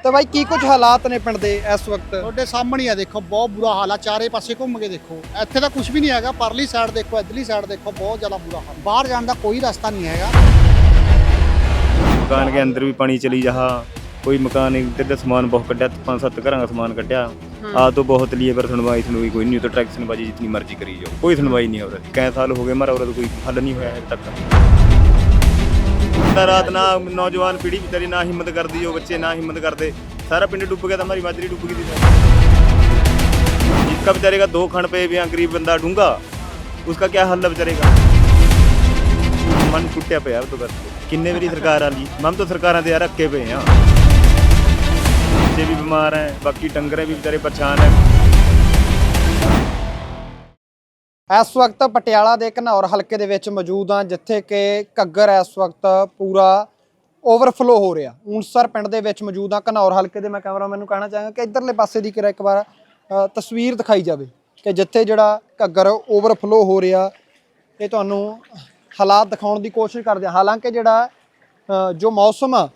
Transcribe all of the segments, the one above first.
तो भाई की कुछ हालात ने पिंड दे इस वक्त ਤੁਹਾਡੇ ਸਾਹਮਣੇ ਆ ਦੇਖੋ ਬਹੁਤ ਬੁਰਾ ਹਾਲ ਆ ਚਾਰੇ ਪਾਸੇ ਘੁੰਮ ਕੇ ਦੇਖੋ ਇੱਥੇ ਤਾਂ ਕੁਝ ਵੀ ਨਹੀਂ ਹੈਗਾ ਪਰਲੀ ਸਾਈਡ ਦੇਖੋ ਇਧਰਲੀ ਸਾਈਡ ਦੇਖੋ ਬਹੁਤ ਜ਼ਿਆਦਾ ਬੁਰਾ ਹਾਲ ਬਾਹਰ ਜਾਣ ਦਾ ਕੋਈ ਰਸਤਾ ਨਹੀਂ ਹੈਗਾ मकान के अंदर भी पानी चली जहा कोई मकान इधर सामान बहुत कटा 5-7 घर का सामान कटा आ तो बहुत लिए पर सुनवाई कोई नहीं तो ट्रैक्शन बाजी जितनी मर्जी करी जाओ कोई सुनवाई नहीं हो रही कई साल हो गए हमारा और कोई हल नहीं हुआ है तक रात ना नौजवान पीढ़ी बेचारी ना हिम्मत करती जो बच्चे ना हिम्मत करते सारा पिंड डूब गया था हमारी माजरी डूब गई थी जिसका बेचारे का 2 खंड पे भी गरीब बंदा डूंगा उसका क्या हल है बेचारे का मन टुटिया पे यार तो बस किन्ने मेरी सरकार आ ली हम तो सरकारों से यार अक्के पे हैं बच्चे भी बीमार हैं बाकी डंगर भी बेचारे परेशान हैं इस वक्त पटियाला के घनौर हल्के दे विच मौजूद हाँ जिथे कि घग्गर इस वक्त पूरा ओवरफ्लो हो रहा ऊंसर पिंड दे विच मौजूद हाँ घनौर हल्के दे मैं कैमरामैन नूं कहना चाहांगा कि इधरले पासे दी एक बार तस्वीर दिखाई जाए कि जिथे जिहड़ा घग्गर ओवरफ्लो हो रहा ये तुहानूं हालात दिखाउण दी कोशिश करदे हां हालांकि जिहड़ा जो मौसम आ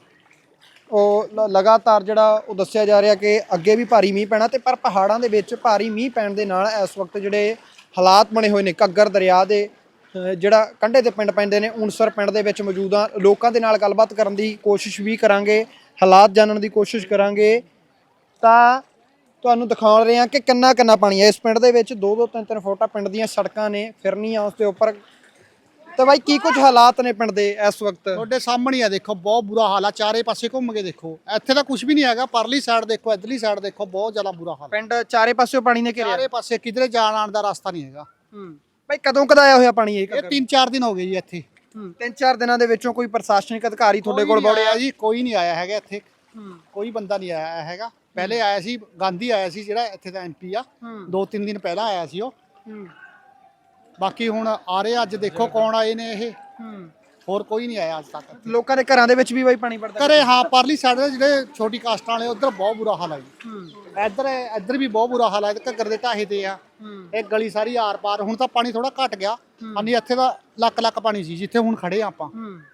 ਉਹ ਲਗਾਤਾਰ ਜਿਹੜਾ ਉਹ ਦੱਸਿਆ ਜਾ ਰਿਹਾ ਕਿ ਅੱਗੇ ਵੀ ਭਾਰੀ ਮੀਂਹ ਪੈਣਾ ਤੇ ਪਰ ਪਹਾੜਾਂ ਦੇ ਵਿੱਚ ਭਾਰੀ ਮੀਂਹ ਪੈਣ ਦੇ ਨਾਲ ਇਸ ਵਕਤ ਜਿਹੜੇ ਹਾਲਾਤ ਬਣੇ ਹੋਏ ਨੇ ਘੱਗਰ ਦਰਿਆ ਦੇ ਜਿਹੜਾ ਕੰਢੇ ਤੇ ਪਿੰਡ ਪੈਂਦੇ ਨੇ ਊਂਸਰ ਪਿੰਡ ਦੇ ਵਿੱਚ ਮੌਜੂਦ ਆ ਲੋਕਾਂ ਦੇ ਨਾਲ ਗੱਲਬਾਤ ਕਰਨ ਦੀ ਕੋਸ਼ਿਸ਼ ਵੀ ਕਰਾਂਗੇ ਹਾਲਾਤ ਜਾਣਨ ਦੀ ਕੋਸ਼ਿਸ਼ ਕਰਾਂਗੇ ਤਾਂ ਤੁਹਾਨੂੰ ਦਿਖਾ ਰਹੇ ਹਾਂ ਕਿ ਕਿੰਨਾ ਕਿੰਨਾ ਪਾਣੀ ਹੈ ਇਸ ਪਿੰਡ ਦੇ ਵਿੱਚ 2-2 3-3 ਫੁੱਟ ਪਿੰਡ ਦੀਆਂ ਸੜਕਾਂ ਨੇ ਫਿਰਨੀਆਂ ਉਸ ਦੇ ਉੱਪਰ ਤੇ ਬਾਈ ਕੀ ਕੁਝ ਹਾਲਾਤ ਨੇ ਪਿੰਡ ਦੇ ਇਸ ਵਕਤ ਤੁਹਾਡੇ ਸਾਹਮਣੇ ਆ ਦੇਖੋ ਬਹੁਤ ਬੁਰਾ ਹਾਲ ਆ ਚਾਰੇ ਪਾਸੇ ਘੁੰਮ ਕੇ ਦੇਖੋ ਇੱਥੇ ਤਾਂ ਕੁਝ ਵੀ ਨਹੀਂ ਹੈਗਾ ਪਰਲੀ ਸਾਈਡ ਦੇਖੋ ਇਧਰਲੀ ਸਾਈਡ ਦੇਖੋ ਬਹੁਤ ਜ਼ਿਆਦਾ ਬੁਰਾ ਹਾਲ ਪਿੰਡ ਚਾਰੇ ਪਾਸਿਓਂ ਪਾਣੀ ਨੇ ਘੇਰਿਆ ਚਾਰੇ ਪਾਸੇ ਕਿਧਰੇ ਜਾਣ ਆਣ ਦਾ ਰਸਤਾ ਨਹੀਂ ਹੈਗਾ ਬਾਈ ਕਦੋਂ ਕਦਾਇਆ ਹੋਇਆ ਪਾਣੀ ਇਹ ਇਹ 3-4 ਦਿਨ ਹੋ ਗਏ ਜੀ ਇੱਥੇ 3-4 ਦਿਨਾਂ ਦੇ ਵਿੱਚੋਂ ਕੋਈ ਪ੍ਰਸ਼ਾਸਨਿਕ ਅਧਿਕਾਰੀ ਤੁਹਾਡੇ ਕੋਲ ਵੜਿਆ ਜੀ ਕੋਈ ਨਹੀਂ ਆਇਆ ਹੈਗਾ ਇੱਥੇ ਕੋਈ ਬੰਦਾ ਨਹੀਂ ਆਇਆ ਹੈਗਾ ਪਹਿਲੇ ਆਇਆ ਸੀ ਗਾਂਧੀ ਆਇਆ ਸੀ ਜਿਹੜਾ ਇੱਥੇ ਦਾ ਐਮਪੀ ਆ 2-3 ਦਿਨ ਪਹਿਲਾਂ ਆਇਆ ਸੀ ਉਹ ਬਾਕੀ ਹੁਣ ਆ ਰਹੇ ਅੱਜ ਦੇਖੋ ਕੌਣ ਆਏ ਨੇ ਇਹ ਹੋਰ ਕੋਈ ਨਹੀਂ ਆਇਆ ਅੱਜ ਤੱਕ ਲੋਕਾਂ ਦੇ ਘਰਾਂ ਦੇ ਵਿੱਚ ਵੀ ਬਾਈ ਪਾਣੀ ਵੜਦਾ ਘਰੇ ਹਾਂ ਪਰਲੀ ਸਾਈਡ ਦੇ ਜਿਹੜੇ ਛੋਟੀ ਕਾਸਟਾਂ ਵਾਲੇ ਉਧਰ ਬਹੁਤ ਬੁਰਾ ਹਾਲ ਹੈ ਜੀ ਇੱਧਰ ਵੀ ਬਹੁਤ ਬੁਰਾ ਹਾਲ ਹੈ ਘੱਗਰ ਦੇ ਢਾਹੇ ਤੇ ਆ ਇਹ ਗਲੀ ਸਾਰੀ ਆਰ ਪਾਰ ਹੁਣ ਤਾਂ ਪਾਣੀ ਥੋੜਾ ਘਟ ਗਿਆ ਨਹੀਂ ਇੱਥੇ ਦਾ ਲੱਕ ਪਾਣੀ ਸੀ ਜਿੱਥੇ ਹੁਣ ਖੜੇ ਆ ਆਪਾਂ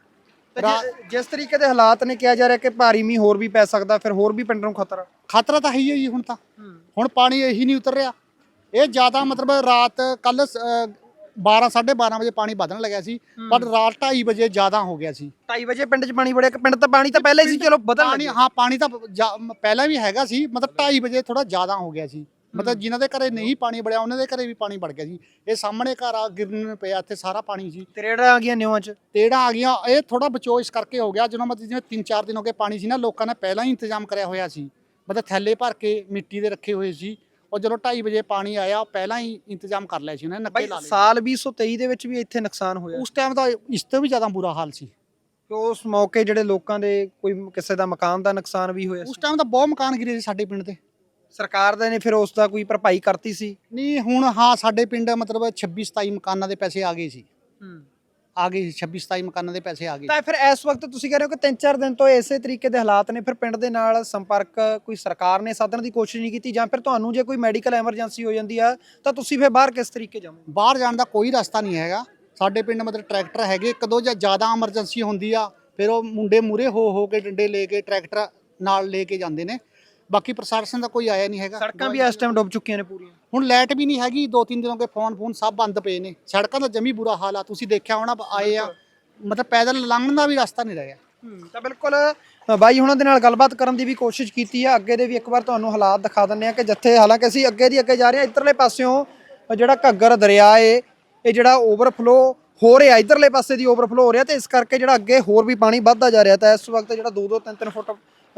ਜਿਸ ਤਰੀਕੇ ਦੇ ਹਾਲਾਤ ਨੇ ਕਿਹਾ ਜਾ ਰਿਹਾ ਕਿ ਭਾਰੀ ਮੀਂਹ ਹੋਰ ਵੀ ਪੈ ਸਕਦਾ ਫਿਰ ਹੋਰ ਵੀ ਪਿੰਡ ਨੂੰ ਖਤਰਾ ਤਾਂ ਹੈ ਹੀ ਜੀ ਹੁਣ ਪਾਣੀ ਇਹੀ ਨਹੀਂ ਉਤਰ ਰਿਹਾ ਇਹ ਜ਼ਿਆਦਾ ਮਤਲਬ ਰਾਤ ਕੱਲ 12-12:30 ਵਜੇ ਪਾਣੀ ਵਧਣ ਲੱਗਿਆ ਸੀ ਪਰ ਰਾਤ 2:30 ਵਜੇ ਜ਼ਿਆਦਾ ਹੋ ਗਿਆ ਸੀ 2:30 ਵਜੇ ਪਿੰਡ 'ਚ ਪਾਣੀ ਵੜਿਆ ਪਿੰਡ ਤਾਂ ਪਾਣੀ ਤਾਂ ਪਹਿਲਾਂ ਹੀ ਸੀ ਚਲੋ ਵਧਣ ਲੱਗਿਆ ਹਾਂ ਪਾਣੀ ਤਾਂ ਪਹਿਲਾਂ ਵੀ ਹੈਗਾ ਸੀ ਮਤਲਬ 2:30 ਵਜੇ ਥੋੜਾ ਜ਼ਿਆਦਾ ਹੋ ਗਿਆ ਸੀ ਮਤਲਬ ਜਿਨ੍ਹਾਂ ਦੇ ਘਰੇ ਨਹੀਂ ਪਾਣੀ ਵੜਿਆ ਉਹਨਾਂ ਦੇ ਘਰੇ ਵੀ ਪਾਣੀ ਵੜ ਗਿਆ ਸੀ ਇਹ ਸਾਹਮਣੇ ਘਰ ਆ ਗਿਰਨ ਪਿਆ ਇੱਥੇ ਸਾਰਾ ਪਾਣੀ ਸੀ ਤਰੇੜਾਂ ਆ ਗਈਆਂ ਨਿਉਆਂ 'ਚ ਤੇੜਾਂ ਆ ਗਈਆਂ ਇਹ ਥੋੜਾ ਬਚੋ ਇਸ ਕਰਕੇ ਹੋ ਗਿਆ ਜਦੋਂ ਮਤਲਬ ਜਿਵੇਂ 3-4 ਦਿਨ ਹੋ ਗਏ ਪਾਣੀ ਸੀ ਨਾ ਲੋਕਾਂ ਨੇ ਪਹਿਲਾਂ ਹੀ ਇੰਤਜ਼ਾਮ ਕਰਿਆ ਹੋਇਆ ਸੀ ਮਤਲਬ ਥੈਲੇ ਭਰ ਕੇ ਮਿੱਟੀ ਦੇ ਰੱਖੇ ਹੋਏ ਸੀ ਉਹ ਜਦੋਂ 2:30 ਵਜੇ ਪਾਣੀ ਆਇਆ ਪਹਿਲਾਂ ਹੀ ਇੰਤਜ਼ਾਮ ਕਰ ਲਿਆ ਸੀ ਉਹਨਾਂ ਨੇ ਨੱਕੇ ਲਾ ਲਏ ਸਾਲ 2023 ਦੇ ਵਿੱਚ ਵੀ ਇੱਥੇ ਨੁਕਸਾਨ ਹੋਇਆ ਉਸ ਟਾਈਮ ਦਾ ਇਸ ਤੋਂ ਵੀ ਜ਼ਿਆਦਾ ਬੁਰਾ ਹਾਲ ਸੀ ਉਸ ਮੌਕੇ ਜਿਹੜੇ ਲੋਕਾਂ ਦੇ ਕੋਈ ਕਿਸੇ ਦਾ ਮਕਾਨ ਦਾ ਨੁਕਸਾਨ ਵੀ ਹੋਇਆ ਉਸ ਟਾਈਮ ਤਾਂ ਬਹੁਤ ਮਕਾਨ ਗਿਰੇ ਸੀ ਸਾਡੇ ਪਿੰਡ ਦੇ ਸਰਕਾਰ ਦੇ ਨੇ ਫਿਰ ਉਸ ਦਾ ਕੋਈ ਭਰਪਾਈ ਕਰਤੀ ਸੀ ਨਹੀਂ ਹੁਣ ਹਾਂ ਸਾਡੇ ਪਿੰਡ ਮਤਲਬ 26-27 ਮਕਾਨਾਂ ਦੇ ਪੈਸੇ ਆ ਗਏ ਸੀ ਆ ਗਏ 26-27 ਮਕਾਨਾਂ ਦੇ ਪੈਸੇ ਆ ਗਏ ਤਾਂ ਫਿਰ ਇਸ ਵਕਤ ਤੁਸੀਂ ਕਹਿ ਰਹੇ ਹੋ ਕਿ 3-4 ਦਿਨ ਤੋਂ ਇਸੇ ਤਰੀਕੇ ਦੇ ਹਾਲਾਤ ਨੇ ਫਿਰ ਪਿੰਡ ਦੇ ਨਾਲ ਸੰਪਰਕ ਕੋਈ ਸਰਕਾਰ ਨੇ ਸਾਧਣ ਦੀ ਕੋਸ਼ਿਸ਼ ਨਹੀਂ ਕੀਤੀ ਜਾਂ ਫਿਰ ਤੁਹਾਨੂੰ ਜੇ ਕੋਈ ਮੈਡੀਕਲ ਐਮਰਜੈਂਸੀ ਹੋ ਜਾਂਦੀ ਆ ਤਾਂ ਤੁਸੀਂ ਫਿਰ ਬਾਹਰ ਕਿਸ ਤਰੀਕੇ ਜਾਵੋਗੇ ਬਾਹਰ ਜਾਣ ਦਾ ਕੋਈ ਰਸਤਾ ਨਹੀਂ ਹੈਗਾ ਸਾਡੇ ਪਿੰਡ ਮਤਲਬ ਟਰੈਕਟਰ ਹੈਗੇ ਕਦੋਂ ਜਾਂ ਜ਼ਿਆਦਾ ਐਮਰਜੈਂਸੀ ਹੁੰਦੀ ਆ ਫਿਰ ਉਹ ਮੁੰਡੇ ਮੂਰੇ ਹੋ ਕੇ ਡੰਡੇ ਲੈ ਕੇ ਟਰੈਕਟਰ ਨਾਲ ਲੈ ਕੇ ਜਾਂਦੇ ਨੇ ਬਾਕੀ ਪ੍ਰਸ਼ਾਸਨ ਦਾ ਕੋਈ ਆਇਆ ਨਹੀਂ ਹੈਗਾ ਸੜਕਾਂ ਵੀ ਇਸ ਟਾਈਮ ਡੁੱਬ ਚੁੱਕੀਆਂ ਨੇ ਪੂਰੀਆਂ ਹੁਣ ਲਾਈਟ ਵੀ ਨਹੀਂ ਹੈਗੀ 2-3 ਦਿਨ ਹੋ ਗਏ ਫੋਨ ਸਭ ਬੰਦ ਪਏ ਨੇ ਸੜਕਾਂ ਦਾ ਜਮੀ ਬੁਰਾ ਹਾਲ ਆ ਤੁਸੀਂ ਦੇਖਿਆ ਹੋਣਾ ਆਏ ਆ ਮਤਲਬ ਪੈਦਲ ਲੰਘਣ ਦਾ ਵੀ ਰਸਤਾ ਨਹੀਂ ਰਹਿ ਗਿਆ ਤਾਂ ਬਿਲਕੁਲ ਬਾਈ ਉਹਨਾਂ ਦੇ ਨਾਲ ਗੱਲਬਾਤ ਕਰਨ ਦੀ ਵੀ ਕੋਸ਼ਿਸ਼ ਕੀਤੀ ਆ ਅੱਗੇ ਦੇ ਵੀ ਇੱਕ ਵਾਰ ਤੁਹਾਨੂੰ ਹਾਲਾਤ ਦਿਖਾ ਦਿੰਦੇ ਆ ਕਿ ਜਿੱਥੇ ਹਾਲਾਂਕਿ ਅਸੀਂ ਅੱਗੇ ਜਾ ਰਹੇ ਹਾਂ ਇੱਧਰਲੇ ਪਾਸਿਓਂ ਜਿਹੜਾ ਘੱਗਰ ਦਰਿਆ ਏ ਇਹ ਜਿਹੜਾ ਓਵਰਫਲੋ ਹੋ ਰਿਹਾ ਇੱਧਰਲੇ ਪਾਸੇ ਦੀ ਓਵਰਫਲੋ ਹੋ ਰਿਹਾ ਤੇ ਇਸ ਕਰਕੇ ਜਿਹੜਾ ਅੱਗੇ ਹੋਰ ਵੀ ਪਾਣੀ ਵੱਧਦਾ ਜਾ ਰਿਹਾ ਤਾਂ ਇਸ ਵਕਤ ਜਿਹੜਾ 2-2 3-3 ਫੁੱਟ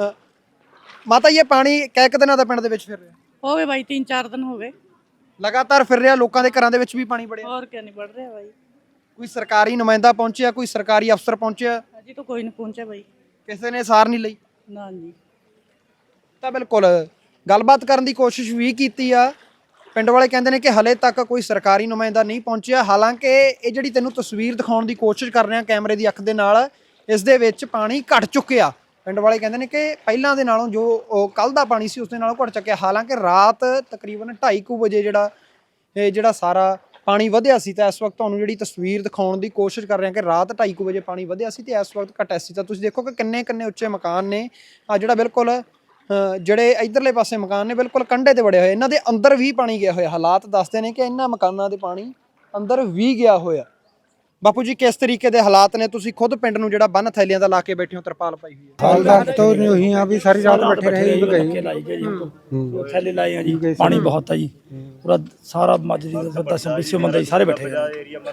ਮਾਤਾ ਇਹ ਪਾਣੀ ਕਈ ਦਿਨਾਂ ਦਾ ਪਿੰਡ ਦੇ ਵਿੱਚ ਫਿਰ ਰਿਹਾ ਹੋ ਗਏ ਬਾਈ 3-4 ਦਿਨ ਹੋ ਗਏ ਲਗਾਤਾਰ ਫਿਰ ਰਿਹਾ ਲੋਕਾਂ ਦੇ ਘਰਾਂ ਦੇ ਵਿੱਚ ਵੀ ਪਾਣੀ ਵੜਿਆ ਹੋਰ ਕਿਆ ਨਹੀਂ ਵੜ ਰਿਹਾ ਬਾਈ ਕੋਈ ਸਰਕਾਰੀ ਨੁਮਾਇੰਦਾ ਪਹੁੰਚਿਆ ਕੋਈ ਸਰਕਾਰੀ ਅਫਸਰ ਪਹੁੰਚਿਆ ਅਜੇ ਤਾਂ ਕੋਈ ਨਹੀਂ ਪਹੁੰਚਿਆ ਬਾਈ ਕਿਸੇ ਨੇ ਸਾਰ ਨਹੀਂ ਲਈ ਨਾ ਜੀ ਤਾਂ ਬਿਲਕੁਲ ਗੱਲਬਾਤ ਕਰਨ ਦੀ ਕੋਸ਼ਿਸ਼ ਵੀ ਕੀਤੀ ਆ ਪਿੰਡ ਵਾਲੇ ਕਹਿੰਦੇ ਨੇ ਕਿ ਹਲੇ ਤੱਕ ਕੋਈ ਸਰਕਾਰੀ ਨੁਮਾਇੰਦਾ ਨਹੀਂ ਪਹੁੰਚਿਆ ਹਾਲਾਂਕਿ ਇਹ ਜਿਹੜੀ ਤੈਨੂੰ ਤਸਵੀਰ ਦਿਖਾਉਣ ਦੀ ਕੋਸ਼ਿਸ਼ ਕਰ ਰਹੇ ਹਾਂ ਕੈਮਰੇ ਦੀ ਅੱਖ ਦੇ ਨਾਲ ਇਸ ਦੇ ਵਿੱਚ ਪਾਣੀ ਘਟ ਚੁੱਕਿਆ ਪਿੰਡ ਵਾਲੇ ਕਹਿੰਦੇ ਨੇ ਕਿ ਪਹਿਲਾਂ ਦੇ ਨਾਲੋਂ ਜੋ ਕੱਲ ਦਾ ਪਾਣੀ ਸੀ ਉਸ ਦੇ ਨਾਲੋਂ ਘਟ ਚੁੱਕਿਆ ਹਾਲਾਂਕਿ ਰਾਤ ਤਕਰੀਬਨ 2:30 ਵਜੇ ਜਿਹੜਾ ਸਾਰਾ ਪਾਣੀ ਵਧਿਆ ਸੀ ਤਾਂ ਇਸ ਵਕਤ ਤੁਹਾਨੂੰ ਜਿਹੜੀ ਤਸਵੀਰ ਦਿਖਾਉਣ ਦੀ ਕੋਸ਼ਿਸ਼ ਕਰ ਰਹੇ ਹਾਂ ਕਿ ਰਾਤ 2:30 ਵਜੇ ਪਾਣੀ ਵਧਿਆ ਸੀ ਤੇ ਇਸ ਵਕਤ ਘਟਿਆ ਸੀ ਤਾਂ ਤੁਸੀਂ ਦੇਖੋ ਕਿ ਕਿੰਨੇ ਉੱਚੇ ਮਕਾਨ ਨੇ ਆ ਜਿਹੜਾ ਬਿਲਕੁਲ ਜਿਹੜੇ ਇਧਰਲੇ ਪਾਸੇ ਮਕਾਨ ਨੇ ਬਿਲਕੁਲ ਕੰਢੇ ਤੇ ਵੜੇ ਹੋਏ, ਇਹਨਾਂ ਦੇ ਅੰਦਰ ਵੀ ਪਾਣੀ ਗਿਆ ਹੋਇਆ। ਹਾਲਾਤ ਦੱਸਦੇ ਨੇ ਕਿ ਇਹਨਾਂ ਮਕਾਨਾਂ ਦੇ ਪਾਣੀ ਅੰਦਰ ਵੀ ਗਿਆ ਹੋਇਆ। ਬਾਪੂ ਜੀ ਕਿਸ ਤਰੀਕੇ ਦੇ ਹਾਲਾਤ ਨੇ? ਤੁਸੀਂ ਖੁਦ ਪਿੰਡ ਨੂੰ ਜਿਹੜਾ ਬੰਨ ਥੈਲੀਆਂ ਦਾ ਲਾ ਕੇ ਬੈਠੇ ਹੋ, ਤਰਪਾਲ ਪਾਈ ਹੋਈ ਹੈ। हाल तो नहीं यहाँ भी सारी रात बैठे रहे भी गए लाई गई जी थैले लाए हैं जी पानी बहुत है जी पूरा सारा माजरी का 10-20 बंदे सारे बैठे हैं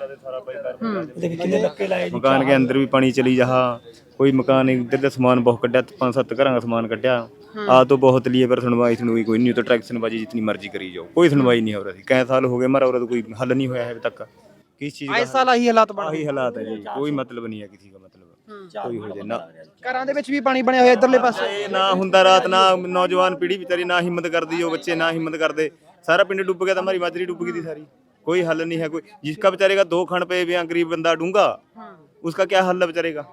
देखिए कितने धक्के लाए जी मकान के अंदर भी पानी चली जहा कोई मकान इधर का सामान बहुत कड्या 5-7 घर का सामान कड्या आ तो बहुत लिए पर सुनवाई कोई नहीं। तो ट्रैक्शन बाजी जितनी मर्जी करी जाओ, कोई सुनवाई नहीं हो रही। कई साल हो गए हमारा और कोई हल नहीं हुआ है अभी तक। किस चीज ਆਏ ਸਾਲ ਆਹੀ ਹਾਲਾਤ ਬਣ यही हालात है जी, कोई मतलब नहीं है किसी का मतलब कोई हो जाए ना। ਘਰਾਂ ਦੇ ਵਿੱਚ ਵੀ ਪਾਣੀ ਬਣਿਆ ਹੋਇਆ ਇਧਰਲੇ ਪਾਸੇ। ਇਹ ਨਾ ਹੁੰਦਾ ਰਾਤ ਨਾ ਨੌਜਵਾਨ ਪੀੜ੍ਹੀ ਵਿਚਾਰੀ ਨਾ ਹਿੰਮਤ ਕਰਦੀ, ਉਹ ਬੱਚੇ ਨਾ ਹਿੰਮਤ ਕਰਦੇ। ਸਾਰਾ ਪਿੰਡ ਡੁੱਬ ਗਿਆ ਤਾਂ हमारी माजरी डूब गई थी सारी। कोई हल नहीं है। कोई जिसका बेचारे का 2 खण पे भी गरीब बंदा डूंगा उसका क्या हल है बेचारे का?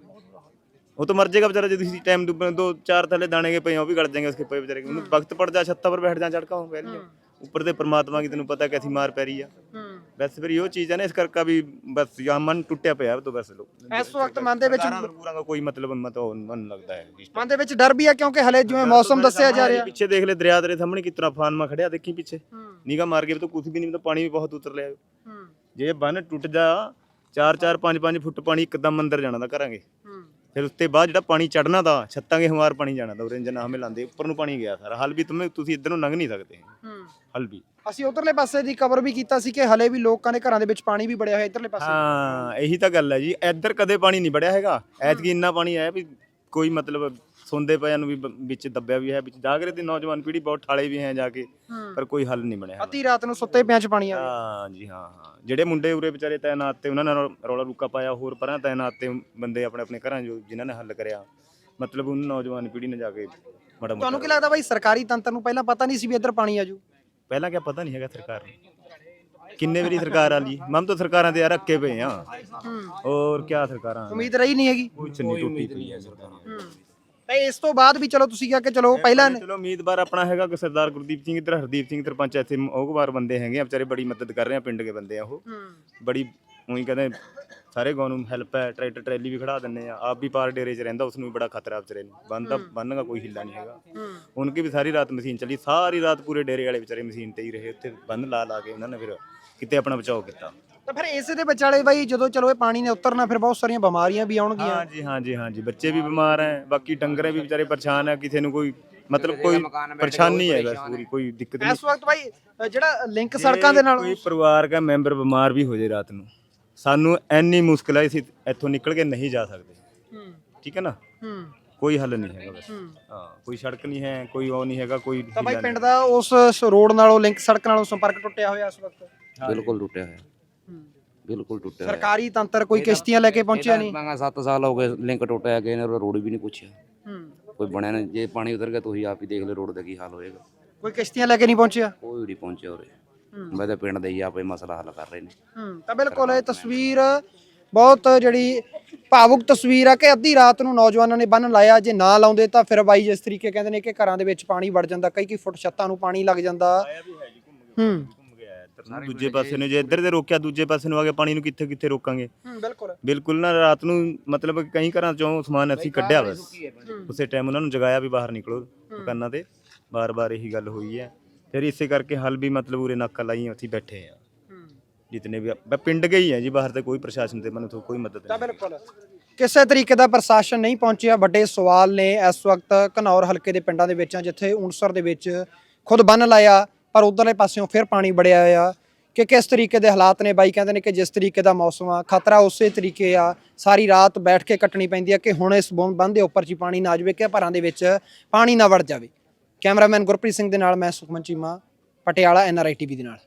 वो तो मर जाएगा बेचारा। जो किसी टाइम 2-4 थैले दाने के पे वो भी गड़ जाएंगे उसके पे बेचारे के। वक्त पड़ जा छत्ता पर बैठ जा चढ़का हूँ पहले ਉੱਪਰ ਦੇ ਪਰਮਾਤਮਾ ਕੀ ਤੈਨੂੰ ਪਤਾ ਕੈਸੀ ਮਾਰ ਪੈ ਰਹੀ ਆ। ਬਸ ਫਿਰ ਇਹੋ ਚੀਜ਼ ਹੈ ਨਾ, ਇਸ ਕਰਕੇ ਵੀ ਬਸ ਯਾ ਮਨ ਟੁੱਟਿਆ ਪਿਆ तो बस ਇਸ ਵਕਤ ਮਨ ਦੇ ਵਿੱਚ ਪੂਰਾ ਦਾ ਕੋਈ ਮਤਲਬ ਮਨ ਲੱਗਦਾ ਹੈ। ਮਨ ਦੇ ਵਿੱਚ ਡਰ ਵੀ ਆ ਕਿਉਂਕਿ ਹਲੇ ਜਿਵੇਂ ਮੌਸਮ ਦੱਸਿਆ ਜਾ ਰਿਹਾ। ਪਿੱਛੇ ਦੇਖ ਲੈ ਦਰਿਆ ਤੇਰੇ ਸਾਹਮਣੇ ਕਿਤਨਾ ਫਾਨਮਾ ਖੜਿਆ ਦੇਖੀ ਪਿੱਛੇ ਨਿਗਾ ਮਾਰ ਕੇ तो कुछ भी नहीं तो पानी भी बहुत उतर लिया। ਜੇ ਬੰਨ ਟੁੱਟ ਜਾ 4-4 5-5 ਫੁੱਟ ਪਾਣੀ ਇੱਕਦਮ ਅੰਦਰ ਜਾਣਾ ਦਾ ਕਰਾਂਗੇ। ਫਿਰ ਉਸ ਤੋਂ ਬਾਅਦ ਜਿਹੜਾ ਪਾਣੀ ਚੜਨਾ ਦਾ ਛੱਤਾਂ ਕੇ ਹਮਾਰ ਪਾਣੀ ਜਾਣਾ ਦਾ ਉਰੇ ਜਨਾ ਹਮੇ ਲਾਂਦੇ ਉੱਪਰ ਨੂੰ ਪਾਣੀ ਗਿਆ ਸਾਰਾ। ਹਲ ਵੀ ਤੁਸੀਂ ਇੱਧਰ ਨੂੰ ਲੰਘ ਨਹੀਂ ਸਕਦੇ। ਹਲ ਵੀ ਅਸੀਂ ਉਧਰਲੇ ਪਾਸੇ ਦੀ ਕਵਰ ਵੀ ਕੀਤਾ ਸੀ ਕਿ ਹਲੇ ਵੀ ਲੋਕਾਂ ਦੇ ਘਰਾਂ ਦੇ ਵਿੱਚ ਪਾਣੀ ਵੀ ਵੜਿਆ ਹੋਇਆ ਇਧਰਲੇ ਪਾਸੇ। ਹਾਂ ਇਹੀ ਤਾਂ ਗੱਲ ਹੈ ਜੀ, ਇੱਧਰ ਕਦੇ ਪਾਣੀ ਨਹੀਂ ਵੜਿਆ ਹੈਗਾ। ਐਤਕੀ ਇੰਨਾ ਪਾਣੀ ਆਇਆ ਵੀ ਕੋਈ ਮਤਲਬ ਸੌਂਦੇ ਪਿਆਂ ਨੂੰ ਵੀ ਵਿੱਚ ਦੱਬਿਆ ਵੀ ਹੈ। ਵਿੱਚ ਜਾਗਰੇ ਦੀ ਨੌਜਵਾਨ ਪੀੜ੍ਹੀ ਬਹੁਤ ਠਾਲੇ ਵੀ ਹੈ ਜਾ ਕੇ, ਪਰ ਕੋਈ ਹੱਲ ਨਹੀਂ ਬਣਿਆ। ਅੱਧੀ ਰਾਤ ਨੂੰ ਸੁੱਤੇ ਪਿਆਂ ਚ ਪਾਣੀ ਆ ਗਿਆ। ਹਾਂ ਜੀ ਹਾਂ। ਜਿਹੜੇ ਮੁੰਡੇ ਉਰੇ ਵਿਚਾਰੇ ਤੈਨਾਤ ਤੇ ਉਹਨਾਂ ਨੇ ਰੌਲਾ ਰੁੱਕਾ ਪਾਇਆ, ਹੋਰ ਪਰਾਂ ਤੈਨਾਤ ਤੇ ਬੰਦੇ ਆਪਣੇ ਆਪਣੇ ਘਰਾਂ ਜੋ ਜਿਨ੍ਹਾਂ ਨੇ ਹੱਲ ਕਰਿਆ, ਮਤਲਬ ਉਹਨਾਂ ਨੌਜਵਾਨ ਪੀੜ੍ਹੀ ਨੇ ਜਾ ਕੇ ਬੜਾ। ਤੁਹਾਨੂੰ ਕੀ ਲੱਗਦਾ ਬਾਈ ਸਰਕਾਰੀ ਤੰਤਰ ਨੂੰ ਪਹਿਲਾਂ ਪਤਾ ਨਹੀਂ ਸੀ ਵੀ ਇੱਧਰ ਪਾਣੀ ਆਜੂ? ਪਹਿਲਾਂ ਕਿਆ ਪਤਾ ਨਹੀਂ ਹੈਗਾ ਸਰਕਾਰ ਨੂੰ। ਕਿੰਨੇ ਵਾਰੀ ਸਰਕਾਰ ਆ ਲਈ ਮਮ ਤਾਂ ਸਰਕਾਰਾਂ ਤੇ ਯਾਰ ਰੱਖੇ ਪਏ ਆ। ਹੋਰ ਕਿਆ ਸਰਕਾਰਾਂ ਉਮੀਦ ਰਹੀ ਨਹੀਂ ਹੈਗੀ। ਕੁਛ ਨਹੀਂ, ਟੁੱਟੀ ਪਈ ਹੈ ਸਰਕਾਰ। ਤੇ ਇਸ ਤੋਂ ਬਾਅਦ ਵੀ ਚਲੋ ਤੁਸੀਂ ਕਿਹਾ ਕਿ ਚਲੋ ਪਹਿਲਾਂ ਚਲੋ ਉਮੀਦਵਾਰ ਆਪਣਾ ਹੈਗਾ ਕਿ ਸਰਦਾਰ ਗੁਰਦੀਪ ਸਿੰਘ, ਇੱਧਰ ਹਰਦੀਪ ਸਿੰਘ ਸਰਪੰਚ ਇੱਥੇ ਉਹ ਬੰਦੇ ਹੈਗੇ ਆ ਵਿਚਾਰੇ, ਬੜੀ ਮਦਦ ਕਰ ਰਹੇ ਆ ਪਿੰਡ ਦੇ ਬੰਦੇ ਆ। ਉਹ ਬੜੀ ਉਹੀ ਕਹਿੰਦੇ ਸਾਰੇ ਗਾਉਂ ਨੂੰ ਹੈਲਪ ਹੈ। ਟਰੈਕਟਰ ਟਰੈਲੀ ਵੀ ਖੜਾ ਦਿੰਦੇ ਆ। ਆਪ ਵੀ ਪਾਰ ਡੇਰੇ 'ਚ ਰਹਿੰਦਾ, ਉਸ ਨੂੰ ਵੀ ਬੜਾ ਖਤਰਾ ਵਿਚਾਰੇ ਨੂੰ। ਬੰਨ ਦਾ ਕੋਈ ਹਿੱਲਾ ਨਹੀਂ ਹੈਗਾ। ਉਨਕੀ ਵੀ ਸਾਰੀ ਰਾਤ ਮਸ਼ੀਨ ਚੱਲੀ, ਸਾਰੀ ਰਾਤ ਪੂਰੇ ਡੇਰੇ ਵਾਲੇ ਵਿਚਾਰੇ ਮਸ਼ੀਨ ਤੇ ਹੀ ਰਹੇ। ਉੱਥੇ ਬੰਨ ਲਾ ਕੇ ਉਹਨਾਂ ਨੇ ਫਿਰ ਕਿਤੇ ਆਪਣਾ ਬਚਾਓ ਕੀਤਾ। ਤਾਂ ਫਿਰ ਇਸੇ ਦੇ ਵਿਚਾਲੇ ਬਾਈ ਜਦੋਂ ਚਲੋ ਇਹ ਪਾਣੀ ਨੇ ਉਤਰਨਾ ਫਿਰ ਬਹੁਤ ਸਾਰੀਆਂ ਬਿਮਾਰੀਆਂ ਵੀ ਆਉਣਗੀਆਂ। ਹਾਂਜੀ ਬੱਚੇ ਵੀ ਬਿਮਾਰ ਹੈ, ਬਾਕੀ ਡੰਗਰੇ ਵੀ ਵਿਚਾਰੇ ਪਰੇਸ਼ਾਨ ਹੈ। ਕਿਸੇ ਨੂੰ ਕੋਈ ਮਤਲਬ ਕੋਈ ਪਰੇਸ਼ਾਨੀ ਹੈ ਬਸ, ਪੂਰੀ ਕੋਈ ਦਿੱਕਤ ਨਹੀਂ। ਇਸ ਵਕਤ ਬਾਈ ਜਿਹੜਾ ਲਿੰਕ ਸੜਕਾਂ ਦੇ ਨਾਲ ਕੋਈ ਪਰਿਵਾਰ ਦਾ ਮੈਂਬਰ ਬਿਮਾਰ ਵੀ ਹੋ ਜਾਏ ਰਾਤ ਨੂੰ, ਸਾਨੂੰ ਇੰਨੀ ਮੁਸ਼ਕਿਲ ਹੈ, ਅਸੀਂ ਇੱਥੋਂ ਨਿਕਲ ਕੇ ਨਹੀਂ ਜਾ ਸਕਦੇ। ਠੀਕ ਹੈ ਨਾ, ਕੋਈ ਹੱਲ ਨਹੀਂ ਹੈਗਾ ਬਸ। ਹਾਂ ਕੋਈ ਸੜਕ ਨਹੀਂ ਹੈ, ਕੋਈ ਉਹ ਨਹੀਂ ਹੈਗਾ, ਕੋਈ ਤਾਂ ਬਾਈ ਪਿੰਡ ਦਾ ਉਸ ਰੋਡ ਨਾਲੋਂ ਲਿੰਕ ਸੜਕ ਨਾਲੋਂ ਸੰਪਰਕ ਟੁੱਟਿਆ ਹੋਇਆ ਇਸ ਵਕਤ। ਬਿਲਕੁਲ ਟੁੱਟਿਆ ਹੋਇਆ, ਬਿਲਕੁਲ ਟੁੱਟਿਆ। ਸਰਕਾਰੀ ਤੰਤਰ ਕੋਈ ਕਿਸ਼ਤੀਆਂ ਲੈ ਕੇ ਪਹੁੰਚਿਆ ਨਹੀਂ। 7 ਸਾਲ ਹੋ ਗਏ ਲਿੰਕ ਟੁੱਟਿਆ, ਗਏ ਨੇ ਰੋਡ ਵੀ ਨਹੀਂ ਪੁੱਛਿਆ, ਕੋਈ ਬਣਿਆ ਨਹੀਂ। ਜੇ ਪਾਣੀ ਉਤਰ ਗਿਆ ਤੁਸੀਂ ਆਪ ਹੀ ਦੇਖ ਲਓ ਰੋਡ ਦਾ ਕੀ ਹਾਲ ਹੋਏਗਾ। ਕੋਈ ਕਿਸ਼ਤੀਆਂ ਲੈ ਕੇ ਨਹੀਂ ਪਹੁੰਚਿਆ, ਕੋਈ ਨਹੀਂ ਪਹੁੰਚਿਆ ਉਰੇ। ਮੈਂ ਤਾਂ ਪਿੰਡ ਦੇ ਹੀ ਆਪੇ ਮਸਲਾ ਹੱਲ ਕਰ ਰਹੇ ਨੇ। ਤਾਂ ਬਿਲਕੁਲ ਇਹ ਤਸਵੀਰ ਬਹੁਤ ਜਿਹੜੀ ਭਾਵੁਕ ਤਸਵੀਰ ਆ ਕਿ ਅੱਧੀ ਰਾਤ ਨੂੰ ਨੌਜਵਾਨਾਂ ਨੇ ਬੰਨ ਲਾਇਆ। ਜੇ ਨਾ ਲਾਉਂਦੇ ਤਾਂ ਫਿਰ ਬਾਈ ਜਿਸ ਤਰੀਕੇ ਕਹਿੰਦੇ ਨੇ ਕਿ ਘਰਾਂ ਦੇ ਵਿੱਚ ਪਾਣੀ ਵੜ ਜਾਂਦਾ, ਕਈ ਫੁੱਟ ਛੱਤਾਂ ਨੂੰ ਪਾਣੀ ਲੱਗ ਜਾਂਦਾ। ਦੂਜੇ ਪਾਸੇ ਨੂੰ ਜੇ ਇੱਧਰ ਦੇ ਰੋਕਿਆ, ਦੂਜੇ ਪਾਸੇ ਨੂੰ ਆ ਕੇ ਪਾਣੀ ਨੂੰ ਕਿੱਥੇ ਕਿੱਥੇ ਰੋਕਾਂਗੇ। ਬਿਲਕੁਲ ਨਾ ਰਾਤ ਨੂੰ ਮਤਲਬ ਕਈ ਘਰਾਂ ਚੋਂ ਸਮਾਨ ਅਸੀਂ ਕੱਢਿਆ, ਬਸ ਉਸੇ ਟਾਈਮ ਉਹਨਾਂ ਨੂੰ ਜਗਾਇਆ ਵੀ ਬਾਹਰ ਨਿਕਲੋ ਦੁਕਾਨਾਂ ਤੇ। ਬਾਰ-ਬਾਰ ਇਹੀ ਗੱਲ ਹੋਈ ਹੈ। ਫਿਰ ਇਸੇ ਕਰਕੇ ਹੱਲ ਵੀ ਮਤਲਬ ਉਰੇ ਨਾਕਾ ਲਾਈ ਉੱਥੇ ਬੈਠੇ ਆ ਜਿਤਨੇ ਵੀ ਪਿੰਡ ਗਈ ਹੈ ਜੀ। ਬਾਹਰ ਤੇ ਕੋਈ ਪ੍ਰਸ਼ਾਸਨ ਤੇ ਮੈਨੂੰ ਕੋਈ ਮਦਦ ਨਹੀਂ। ਬਿਲਕੁਲ ਕਿਸੇ ਤਰੀਕੇ ਦਾ ਪ੍ਰਸ਼ਾਸਨ ਨਹੀਂ ਪਹੁੰਚਿਆ। ਵੱਡੇ ਸਵਾਲ ਨੇ ਇਸ ਵਕਤ ਘਨੌਰ ਹਲਕੇ ਦੇ ਪਿੰਡਾਂ ਦੇ ਵਿੱਚ, ਜਿੱਥੇ ਊਂਸਰ ਦੇ ਵਿੱਚ ਖੁਦ ਬੰਨ ਲਾਇਆ ਪਰ ਉਧਰਲੇ ਪਾਸਿਓਂ ਫਿਰ ਪਾਣੀ ਵੜਿਆ ਆ। ਕਿ ਕਿਸ ਤਰੀਕੇ ਦੇ ਹਾਲਾਤ ਨੇ, ਬਾਈ ਕਹਿੰਦੇ ਨੇ ਕਿ ਜਿਸ ਤਰੀਕੇ ਦਾ ਮੌਸਮ ਆ ਖਤਰਾ ਉਸੇ ਤਰੀਕੇ ਆ। ਸਾਰੀ ਰਾਤ ਬੈਠ ਕੇ ਕੱਟਣੀ ਪੈਂਦੀ ਆ ਕਿ ਹੁਣ ਇਸ ਬੰਨ ਦੇ ਉੱਪਰ 'ਚ ਪਾਣੀ ਨਾ ਜਾਵੇ, ਕਿ ਘਰਾਂ ਦੇ ਵਿੱਚ ਪਾਣੀ ਨਾ ਵੜ ਜਾਵੇ। ਕੈਮਰਾਮੈਨ ਗੁਰਪ੍ਰੀਤ ਸਿੰਘ ਦੇ ਨਾਲ ਮੈਂ ਸੁਖਮਨ ਚੀਮਾ, ਪਟਿਆਲਾ, NRI TV ਦੇ ਨਾਲ।